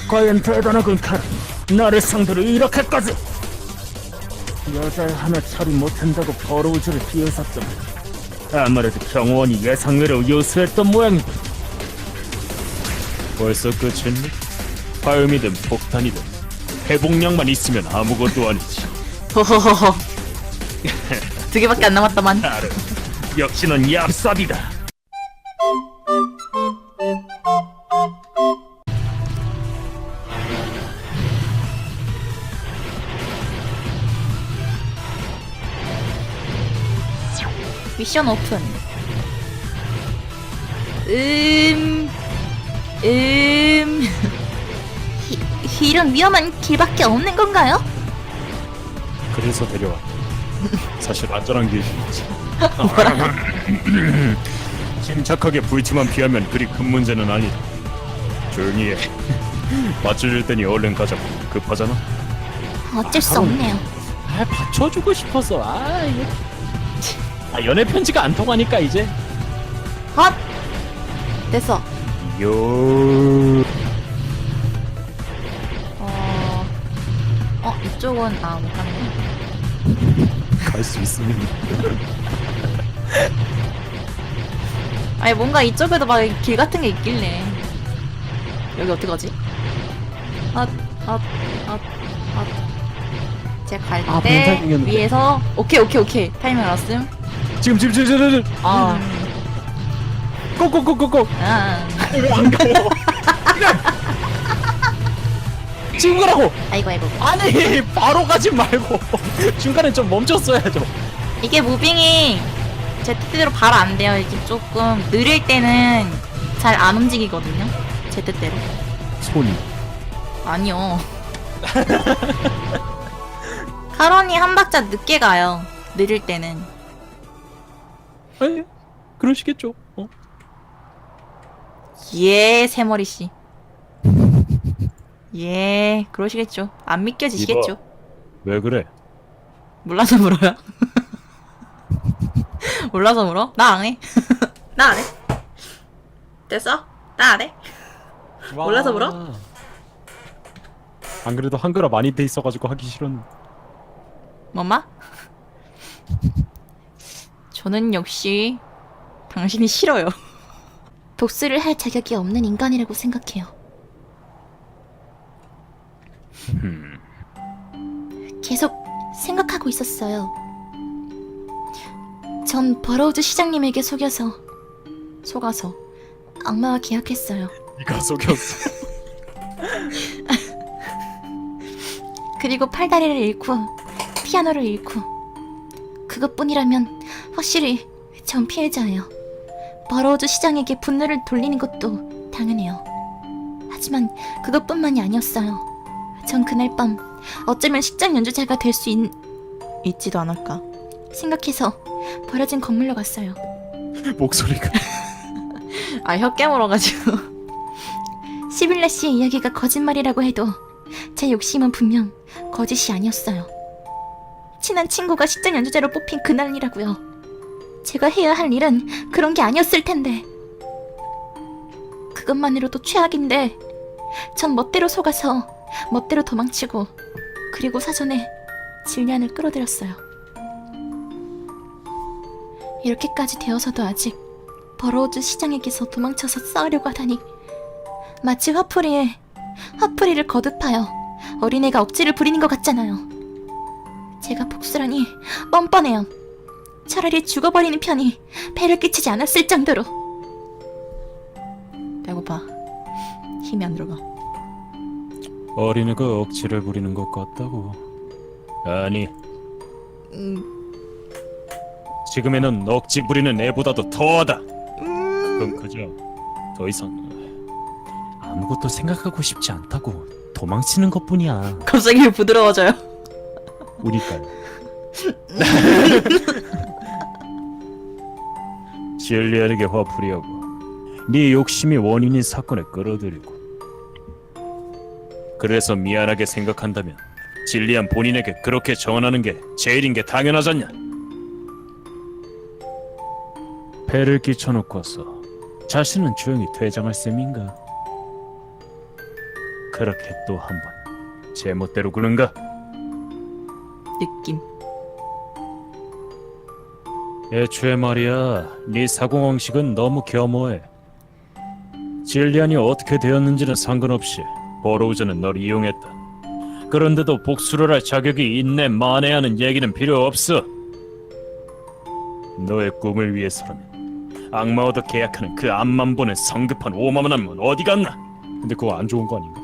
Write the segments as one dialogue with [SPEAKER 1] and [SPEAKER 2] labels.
[SPEAKER 1] 과연 대단하군 카라. 나를 상대로 이렇게까지. 여자애 하나 처리 못한다고 버러울 줄을 비웃었더니 아무래도 경호원이 예상외로 요수했던 모양이다. 벌써 끝이니? 화염이든 폭탄이든 회복량만 있으면 아무것도 아니지.
[SPEAKER 2] 호호호호. 2개밖에 안 남았다만.
[SPEAKER 1] 나를 역시 넌 얍삽이다.
[SPEAKER 2] 미션 오픈. 이런 위험한 길밖에 없는 건가요?
[SPEAKER 3] 그래서 데려왔다. 사실 안전한 길이 있지. 침착하게 불티만 피하면 그리 큰 문제는 아니다. 조용히 해. 맞춰줄 테니 얼른 가자고. 급하잖아.
[SPEAKER 2] 어쩔 수 없네요.
[SPEAKER 4] 아, 받쳐주고 싶어서. 아, 이거. 아, 연애 편지가 안 통하니까 이제.
[SPEAKER 2] 헛! 됐어.
[SPEAKER 3] 요.
[SPEAKER 2] 이쪽은 못 가네.
[SPEAKER 3] 갈 수 있으면.
[SPEAKER 2] 아니 뭔가 이쪽에도 막 길 같은 게 있길래. 여기 어떻게 가지? 제가 갈
[SPEAKER 4] 아,
[SPEAKER 2] 때
[SPEAKER 4] 타이밍이었는데.
[SPEAKER 2] 위에서 오케이 타이밍 알았음.
[SPEAKER 4] 지금.
[SPEAKER 2] 아.
[SPEAKER 4] 꼭꼭꼭꼭꼭.
[SPEAKER 2] 아.
[SPEAKER 4] 지금 가라고.
[SPEAKER 2] 아이고.
[SPEAKER 4] 아니, 바로 가지 말고 중간에 좀 멈췄어야죠.
[SPEAKER 2] 이게 무빙이 제 뜻대로 바로 안 돼요. 이게 조금 느릴 때는 잘 안 움직이거든요. 제 뜻대로.
[SPEAKER 3] 손이.
[SPEAKER 2] 아니요. 카론이 한 박자 늦게 가요. 느릴 때는.
[SPEAKER 4] 아니, 그러시겠죠.
[SPEAKER 2] 예, 새머리 씨. 예, 그러시겠죠. 안 믿겨지시겠죠.
[SPEAKER 3] 왜 그래?
[SPEAKER 2] 몰라서 물어요. 몰라서 물어? 나 안 해. 나 안 해. 됐어? 나 안 해. 몰라서 물어?
[SPEAKER 3] 안 그래도 한글화 많이 돼 있어가지고 하기 싫었는데.
[SPEAKER 2] 엄마? 저는 역시 당신이 싫어요. 복수를 할 자격이 없는 인간이라고 생각해요. 계속 생각하고 있었어요. 전 버러우즈 시장님에게 속아서 악마와 계약했어요.
[SPEAKER 3] 네가 속였어.
[SPEAKER 2] 그리고 팔다리를 잃고 피아노를 잃고 그것뿐이라면 확실히 전 피해자예요. 버러우즈 시장에게 분노를 돌리는 것도 당연해요. 하지만 그것뿐만이 아니었어요. 전 그날 밤 어쩌면 식장 연주자가 될 수 있지도 않을까 생각해서 버려진 건물로 갔어요.
[SPEAKER 3] 목소리가.
[SPEAKER 2] 혀 깨물어가지고. 시빌라 씨의 이야기가 거짓말이라고 해도 제 욕심은 분명 거짓이 아니었어요. 친한 친구가 식장 연주자로 뽑힌 그날이라고요. 제가 해야 할 일은 그런 게 아니었을 텐데. 그것만으로도 최악인데 전 멋대로 속아서 멋대로 도망치고 그리고 사전에 질리안을 끌어들였어요. 이렇게까지 되어서도 아직 버러우즈 시장에게서 도망쳐서 싸우려고 하다니 마치 화풀이를 거듭하여 어린애가 억지를 부리는 것 같잖아요. 제가 복수라니 뻔뻔해요. 차라리 죽어버리는 편이 배를 끼치지 않았을 정도로. 배고파. 힘이 안 들어가.
[SPEAKER 3] 어린애가 억지를 부리는 것 같다고. 아니, 지금에는 억지 부리는 애보다도 더하다. 그럼 그저 더 이상 아무것도 생각하고 싶지 않다고 도망치는 것뿐이야.
[SPEAKER 2] 갑자기 부드러워져요.
[SPEAKER 3] 우니까요. 진리안에게 화풀이하고 네 욕심이 원인인 사건에 끌어들이고 그래서 미안하게 생각한다면 진리안 본인에게 그렇게 전하는 게 제일인 게 당연하잖냐. 배를 끼쳐놓고서 자신은 조용히 퇴장할 셈인가. 그렇게 또 한 번 제멋대로 구는가?
[SPEAKER 2] 느낌.
[SPEAKER 3] 애초에 말이야, 네 사고방식은 너무 겸허해. 질리안이 어떻게 되었는지는 상관없이 버로우즈는 널 이용했다. 그런데도 복수를 할 자격이 있네 마네 하는 얘기는 필요 없어. 너의 꿈을 위해서라면 악마와도 계약하는 그 앞만 보는 성급한 오만함은 어디 갔나? 근데 그거 안 좋은 거 아닌가?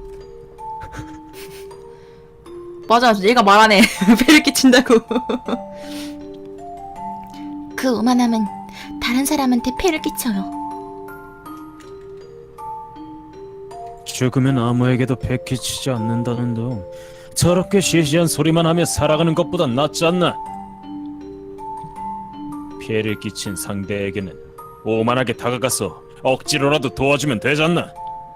[SPEAKER 2] 맞아, 얘가 말하네. 배를 끼친다고. 그 오만함은 다른 사람한테 폐를 끼쳐요.
[SPEAKER 3] 죽으면 아무에게도 베끼치지 않는다는 등 저렇게 시시한 소리만 하며 살아가는 것보단 낫지 않나? 피해를 끼친 상대에게는 오만하게 다가가서 억지로라도 도와주면 되잖나?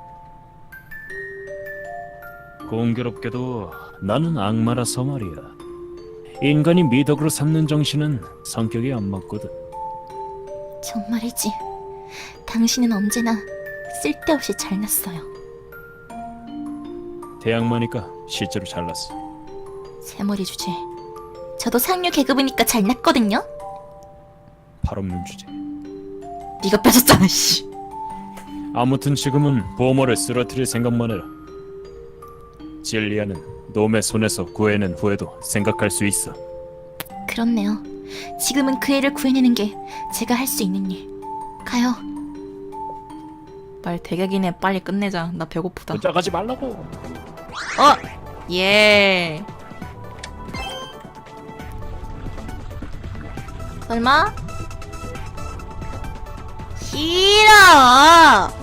[SPEAKER 3] 공교롭게도 나는 악마라서 말이야. 인간이 미덕으로 삼는 정신은 성격이 안 맞거든.
[SPEAKER 2] 정말이지. 당신은 언제나 쓸데없이 잘났어요.
[SPEAKER 3] 대학마니까 실제로 잘났어.
[SPEAKER 2] 새머리 주제. 저도 상류 계급이니까 잘났거든요.
[SPEAKER 3] 팔 없는 주제.
[SPEAKER 2] 네가 뺏었잖아, 씨.
[SPEAKER 3] 아무튼 지금은 보모를 쓰러뜨릴 생각만 해라. 질리아는 놈의 손에서 구해낸 후에도 생각할 수 있어.
[SPEAKER 2] 그렇네요. 지금은 그 애를 구해내는 게 제가 할 수 있는 일. 가요. 말 되게 기네. 빨리 끝내자. 나 배고프다.
[SPEAKER 3] 붙잡아지 말라고.
[SPEAKER 2] 예. 설마? 싫어.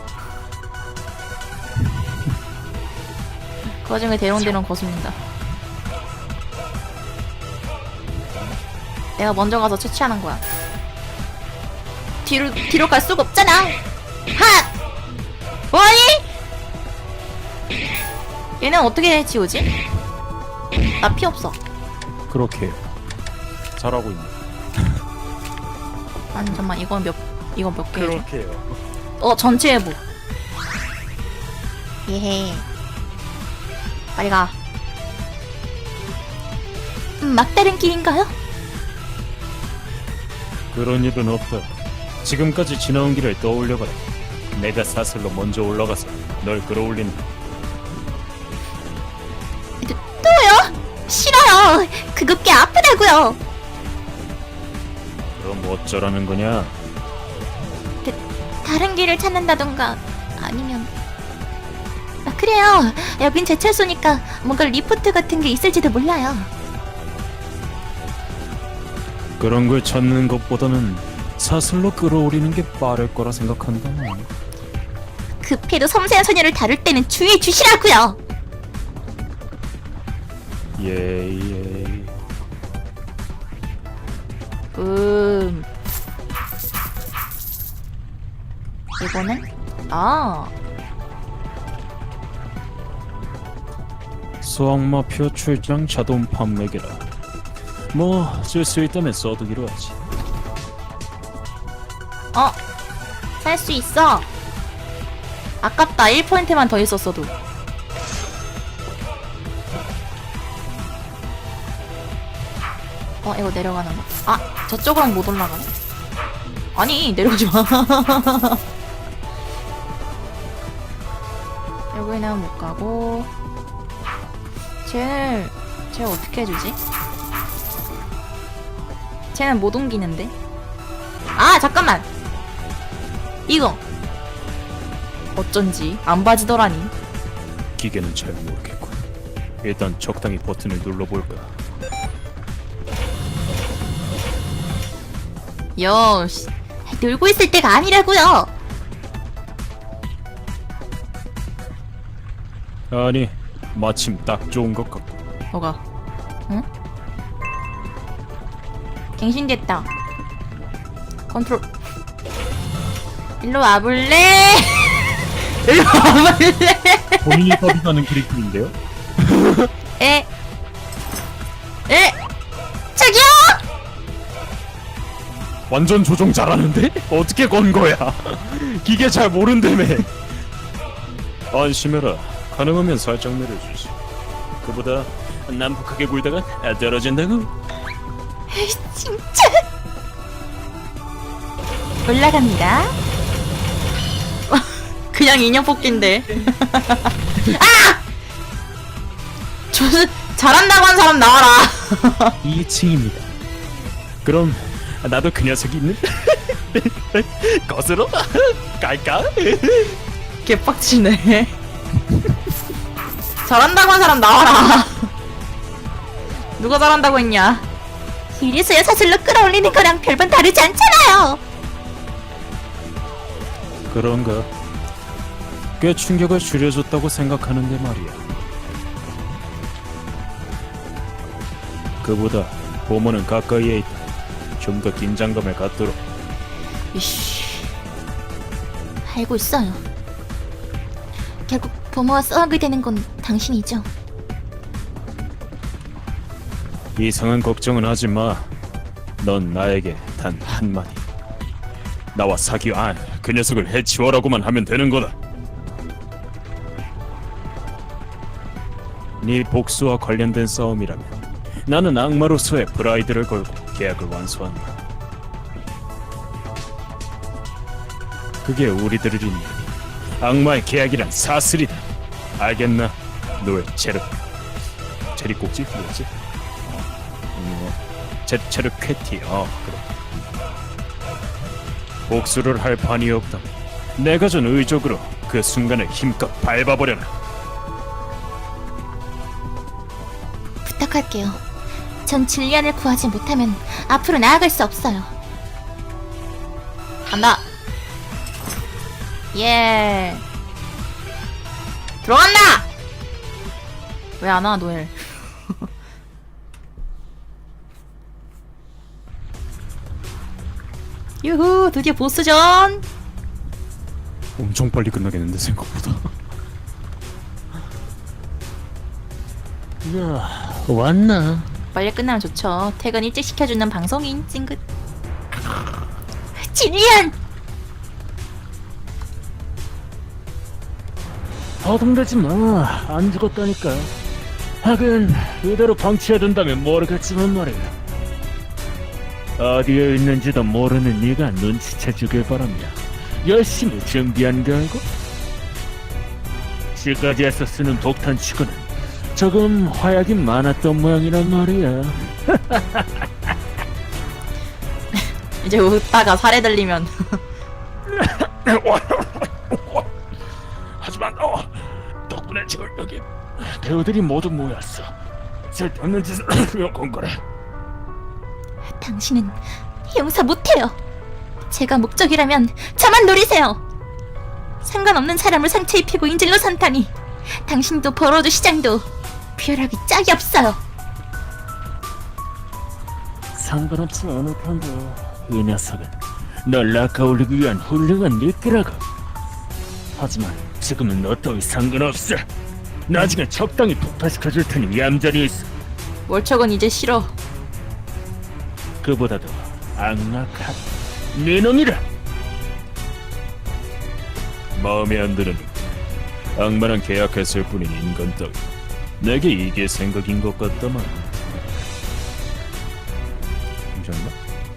[SPEAKER 2] 그 와중에 대롱대롱 거슬린다. 내가 먼저 가서 처치하는 거야. 뒤로 갈 수가 없잖아. 하! 뭐니? 얘는 어떻게 지우지? 나 피 없어.
[SPEAKER 3] 그렇게 해요. 잘하고 있네.
[SPEAKER 2] 아니 잠깐만, 이건 몇 개?
[SPEAKER 3] 그렇게 해요.
[SPEAKER 2] 전체 회복. 예헤. 빨리 가. 막다른 길인가요?
[SPEAKER 3] 그런 일은 없다. 지금까지 지나온 길을 떠올려봐라. 내가 사슬로 먼저 올라가서 널 끌어올린다.
[SPEAKER 2] 또요? 싫어요. 그거 꽤 아프다고요.
[SPEAKER 3] 그럼 어쩌라는 거냐?
[SPEAKER 2] 다른 길을 찾는다던가 아니면 그래요. 여긴 제철소니까 뭔가 리포트 같은 게 있을지도 몰라요.
[SPEAKER 3] 그런 걸 찾는 것보다는 사슬로 끌어올리는 게 빠를 거라 생각한다.
[SPEAKER 2] 급해도 섬세한 소녀를 다룰 때는 주의해 주시라고요.
[SPEAKER 3] 예예.
[SPEAKER 2] 이거는
[SPEAKER 3] 수학마 표출장 자동 판매기라. 뭐 쓸 수 있다면 써두기로 하지.
[SPEAKER 2] 살 수 있어. 아깝다. 1%만 더 있었어도. 이거 내려가는 거. 저쪽으로는 못 올라가네. 아니, 내려가지 마. 여기는 못 가고. 쟤 어떻게 해주지? 쟤는 못 옮기는데. 잠깐만. 이거 어쩐지 안 봐지더라니.
[SPEAKER 3] 기계는 잘 모르겠군. 일단 적당히 버튼을 눌러볼까.
[SPEAKER 2] 씨, 놀고 있을 때가 아니라고요.
[SPEAKER 3] 아니, 마침 딱 좋은 것 같고.
[SPEAKER 2] 뭐가? 응? 갱신됐다. 컨트롤. 일로 와볼래? 일로 와볼래?
[SPEAKER 3] 본인이 서비스하는 그리핀인데요?
[SPEAKER 2] 저기요!
[SPEAKER 3] 완전 조종 잘하는데? 어떻게 건 거야? 기계 잘 모른다며. 안심해라. 가능하면 살짝 내려주지. 그보다 난폭하게 굴다가 떨어진다고.
[SPEAKER 2] 에이, 진짜. 올라갑니다. 그냥 인형 뽑기인데. 아! 잘한다고 한 사람 나와라.
[SPEAKER 3] 2층입니다. 그럼 나도 그 녀석이 있는 것으로 갈까?
[SPEAKER 2] 개빡치네. 잘한다고 한 사람 나와라. 누가 잘한다고 했냐? 이래서야 사슬로 끌어올리는 거랑 별반 다르지 않잖아요.
[SPEAKER 3] 그런가? 꽤 충격을 줄여줬다고 생각하는데 말이야. 그보다 보모는 가까이에 있다. 좀 더 긴장감을 갖도록.
[SPEAKER 2] 이씨, 알고 있어요. 결국 부모와 싸우게 되는 건 당신이죠.
[SPEAKER 3] 이상한 걱정은 하지 마. 넌 나에게 단 한마디. 나와 그 녀석을 해치워라고만 하면 되는 거다. 네 복수와 관련된 싸움이라면 나는 악마로서의 프라이드를 걸고 계약을 완수한다. 그게 우리들을 잇는 악마의 계약이란 사슬이다. 알겠나? 노예 체르 꼭지 뭐지? 체르 쾌티. 그래. 복수를 할 판이 없다면 내가 준 의족으로 그 순간을 힘껏 밟아버려라.
[SPEAKER 2] 부탁할게요. 전 진리안을 구하지 못하면 앞으로 나아갈 수 없어요. 간다. 예. 들어간다. 왜 안 와, 노엘? 유후, 드디어 보스전.
[SPEAKER 3] 엄청 빨리 끝나겠는데 생각보다.
[SPEAKER 1] 야, 왔나?
[SPEAKER 2] 빨리 끝나면 좋죠. 퇴근 일찍 시켜주는 방송인 찡긋. 진리안.
[SPEAKER 1] 허둥대지 마. 안 죽었다니까. 하긴 이대로 방치해둔다면 모르겠지만 말이야. 어디에 있는지도 모르는 네가 눈치채주길 바랍니다. 열심히 준비한 결과 지금까지에서 쓰는 독탄치고는 조금 화약이 많았던 모양이란 말이야.
[SPEAKER 2] 이제 웃다가 살해 들리면
[SPEAKER 1] 하지만 덕분에 지금 여기 배우들이 모두 모였어. 쓸데없는 짓을 건 거래.
[SPEAKER 2] 당신은 용서 못해요. 제가 목적이라면 저만 노리세요. 상관없는 사람을 상처 입히고 인질로 삼다니. 당신도 버러드 시장도 벼락이 짝이 없어요.
[SPEAKER 1] 상관없지 않을 텐데 이 녀석은 널 낚아올리기 위한 훌륭한 미끼라고. 하지만 지금은 너 따위 상관없어. 나중에 적당히 폭파시켜줄 테니 얌전히 있어.
[SPEAKER 2] 월척은 이제 싫어.
[SPEAKER 1] 그보다도 악랄한 네 놈이라.
[SPEAKER 3] 마음에 안 드는 악마랑 계약했을 뿐인 인간 따위. 내게 이게 생각인 것 같다만. 괜찮나?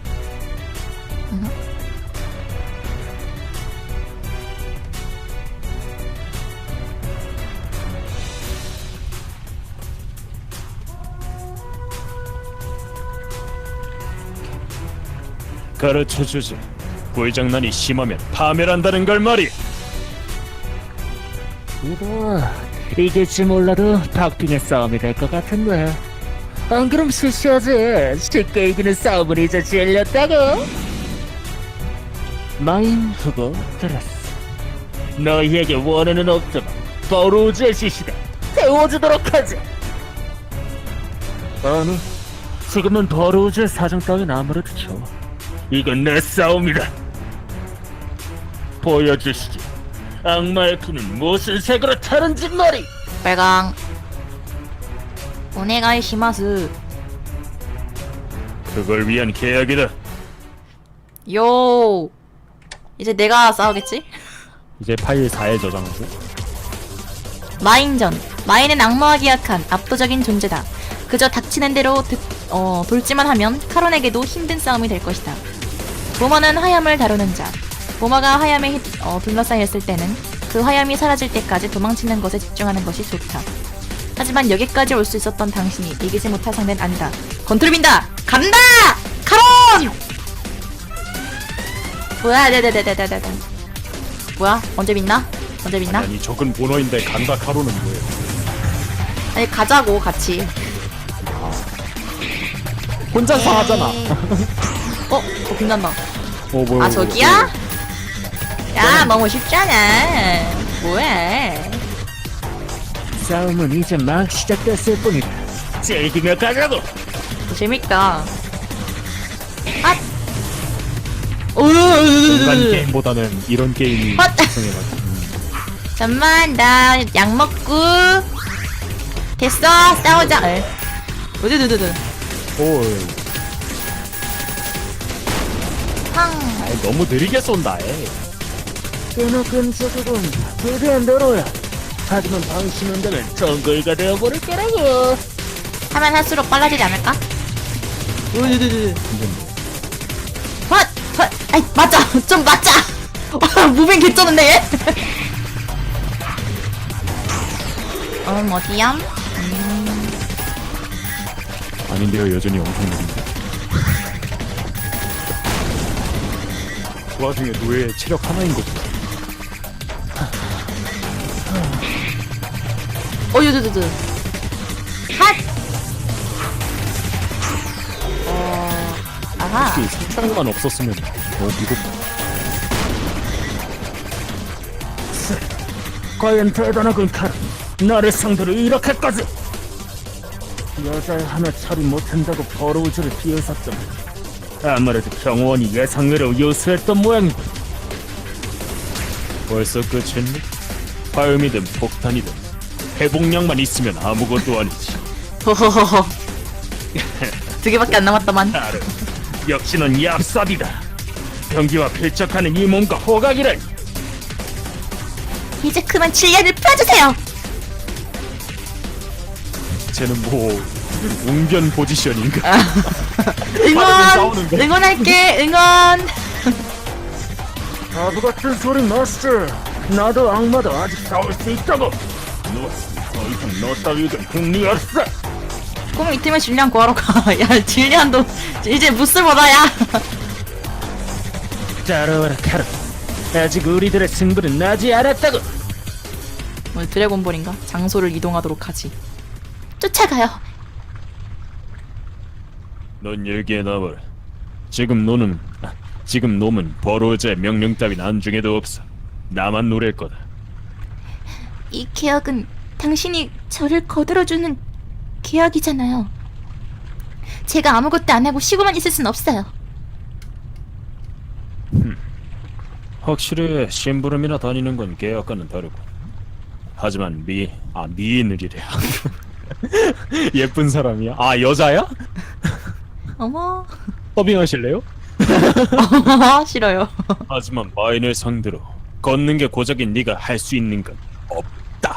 [SPEAKER 3] 가르쳐주지. 꿀장난이 심하면 파멸한다는 걸 말이야.
[SPEAKER 1] 이거 이길지 몰라도 박빙의 싸움이 될 것 같은데. 안 그럼 실시하지. 쉽게 이기는 싸움은 이제 질렸다고. 마인 후보 들었어. 너희에게 원하는 없지만 버로우즈의 지시다. 세워주도록 하지. 아니, 지금은 버로우즈의 사정 따윈 아무래도 좋아. 이건 내 싸움이다. 보여주시지. 악마의 피는 무슨 색으로 타는지 말이.
[SPEAKER 2] 빨강. 오네가이 시마스.
[SPEAKER 3] 그걸 위한 계약이다.
[SPEAKER 2] 요. 이제 내가 싸우겠지?
[SPEAKER 4] 이제 파일 4에 저장하고.
[SPEAKER 2] 마인전. 마인은 악마와 계약한 압도적인 존재다. 그저 닥치는 대로 돌지만 하면 카론에게도 힘든 싸움이 될 것이다. 보머는 화염을 다루는 자. 보머가 화염에 둘러싸였을 때는 그 화염이 사라질 때까지 도망치는 것에 집중하는 것이 좋다. 하지만 여기까지 올 수 있었던 당신이 이기지 못할 상대는 아니다. 건투를 빈다! 간다! 카론! 뭐야, 네네네네네네. 뭐야? 언제 빛나? 언제 빛나?
[SPEAKER 3] 아니 적은 본어인데 간다 카로는 뭐예요?
[SPEAKER 2] 아니, 가자고, 같이.
[SPEAKER 4] 혼자서 하잖아.
[SPEAKER 2] 빛난다.
[SPEAKER 3] 뭐야?
[SPEAKER 2] 아, 저기야? 야, 너무 쉽잖아. 뭐해?
[SPEAKER 1] 싸움은 이제 막 시작됐을 뿐이다. 즐기며 가자고.
[SPEAKER 2] 재밌다. 아!
[SPEAKER 3] 인간 게임보다는 이런 게임이
[SPEAKER 2] 헛!
[SPEAKER 3] 특성해가지고.
[SPEAKER 2] 잠만, 나 약 먹고. 됐어, 싸우자. 으드드드드.
[SPEAKER 3] 오,
[SPEAKER 2] 황.
[SPEAKER 3] 아이, 너무 느리게 쏜다.
[SPEAKER 1] 꽤나 끈적이군. 최대한 너로야. 하지만 방심은 되면 정글가 되어버릴 거라고.
[SPEAKER 2] 하면 할수록 빨라지지 않을까? 으드드드. 헛! 헛! 아이, 맞자! 좀 맞자! 무빙 개쩌는데, 얘? 어디야?
[SPEAKER 3] 아닌데요, 여전히 엄청 느린데. 그 와중에 노예의 체력 하나인 거지.
[SPEAKER 2] 유두두두. 핫! 아하.
[SPEAKER 3] 혹시 상처만 없었으면 무겁다.
[SPEAKER 1] 과연 대단하군 카론. 나를 상대로 이렇게까지. 여자를 하나 처리 못한다고 버러울 줄을 비웃었더니 아무래도 경호원이 예상외로 요수했던 모양이다.
[SPEAKER 3] 벌써 끝이니? 화염이든 폭탄이든 회복량만 있으면 아무것도 아니지.
[SPEAKER 2] 호호호호. 2개밖에 안 남았다만.
[SPEAKER 1] 카론, 역시 넌 얍삽이다. 경기와 필적하는 이 몸과 호각이라니.
[SPEAKER 2] 이제 그만 질량을 펴주세요.
[SPEAKER 3] 쟤는 뭐 웅변 포지션인가?
[SPEAKER 2] 응원! 응원할게, 응원!
[SPEAKER 1] 바보 같은 소리 마스터. 나도 악마도 아직 싸울 수 있다고. 더 이상 너 따위에겐 흥미 없어.
[SPEAKER 2] 꿈 이틀면 질량 구하러 가. 야, 질량도 이제 무스보다야.
[SPEAKER 1] 따라와라 카론. 아직 우리들의 승부는 나지 않았다고.
[SPEAKER 2] 오늘 드래곤볼인가? 장소를 이동하도록 하지. 쫓아가요.
[SPEAKER 3] 넌 여기에 남아라. 지금 놈은 버로우자의 명령 따윈 안중에도 없어. 나만 노릴 거다.
[SPEAKER 2] 이 계약은 당신이 저를 거들어주는 계약이잖아요. 제가 아무것도 안 하고 쉬고만 있을 순 없어요.
[SPEAKER 3] 확실히 심부름이나 다니는 건 계약과는 다르고. 하지만 미인을이래. 예쁜 사람이야? 아, 여자야?
[SPEAKER 2] 어머.
[SPEAKER 3] 서빙하실래요?
[SPEAKER 2] 싫어요.
[SPEAKER 3] 하지만 마인을 상대로 걷는 게 고작인 네가 할 수 있는 건 없다.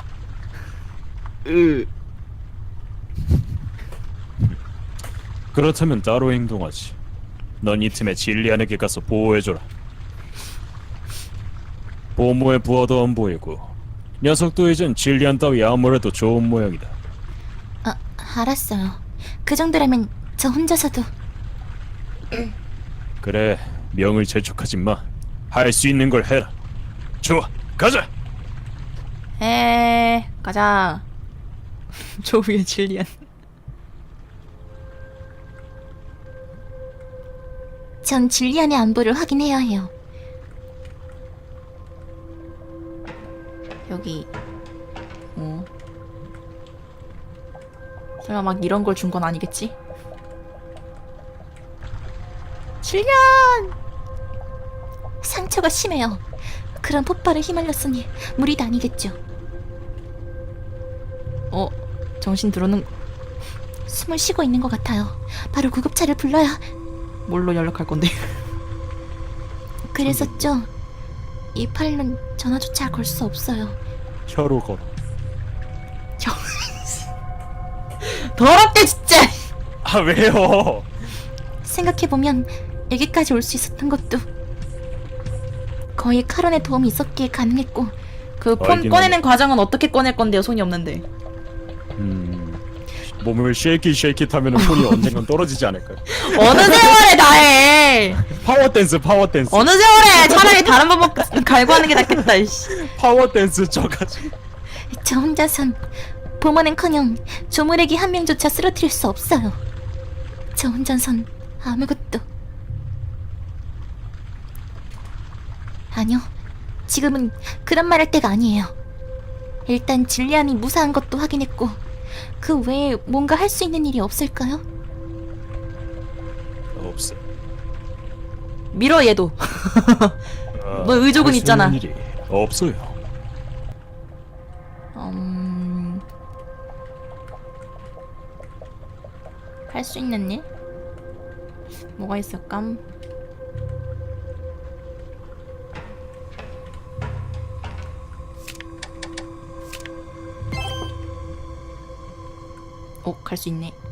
[SPEAKER 3] 그렇다면 따로 행동하지. 넌 이 틈에 진리안에게 가서 보호해줘라. 보모의 부하도 안 보이고 녀석도 이젠 진리안 따위 아무래도 좋은 모양이다.
[SPEAKER 2] 알았어요. 그 정도라면 저 혼자서도.
[SPEAKER 3] 그래, 명을 재촉하지 마. 할 수 있는 걸 해라. 좋아, 가자.
[SPEAKER 2] 가자. 저 위에 질리안. 전 질리안의 안부를 확인해야 해요. 여기. 설마 막 이런 걸 준 건 아니겠지? 질리안! 상처가 심해요. 그런 폭발에 휘말렸으니 무리도 아니겠죠. 정신 들어는 숨을 쉬고 있는 것 같아요. 바로 구급차를 불러야. 뭘로 연락할 건데? 그랬었죠. 이 팔로는 전화조차 걸 수 없어요.
[SPEAKER 3] 혀로 걸어.
[SPEAKER 2] 더럽게 진짜.
[SPEAKER 3] 아 왜요?
[SPEAKER 2] 생각해보면 여기까지 올 수 있었던 것도 거의 카론의 도움이 있었기에 가능했고, 그 폰
[SPEAKER 3] 알긴
[SPEAKER 2] 꺼내는 과정은 어떻게 꺼낼 건데요? 손이 없는데.
[SPEAKER 3] 몸을 쉐이킷 하면은 손이 언젠간 떨어지지 않을까요?
[SPEAKER 2] 어느 세월에 다해.
[SPEAKER 3] 파워 댄스.
[SPEAKER 2] 어느 세월에 차라리 다른 방법 갈고 하는 게 낫겠다. 이씨.
[SPEAKER 3] 파워 댄스 저가지고.
[SPEAKER 2] 저 혼자선 보모는커녕 조무래기 한 명조차 쓰러뜨릴 수 없어요. 저 혼자선 아무것도. 아니요, 지금은 그런 말 할 때가 아니에요. 일단 질리안이 무사한 것도 확인했고, 그 외에 뭔가 할 수 있는 일이 없을까요?
[SPEAKER 3] 없어.
[SPEAKER 2] 밀어 얘도. 너 의족은
[SPEAKER 3] 할수
[SPEAKER 2] 있잖아.
[SPEAKER 3] 있는 일이 없어요.
[SPEAKER 2] 할 수 있는 일? 뭐가 있을까? 갈 수 있네.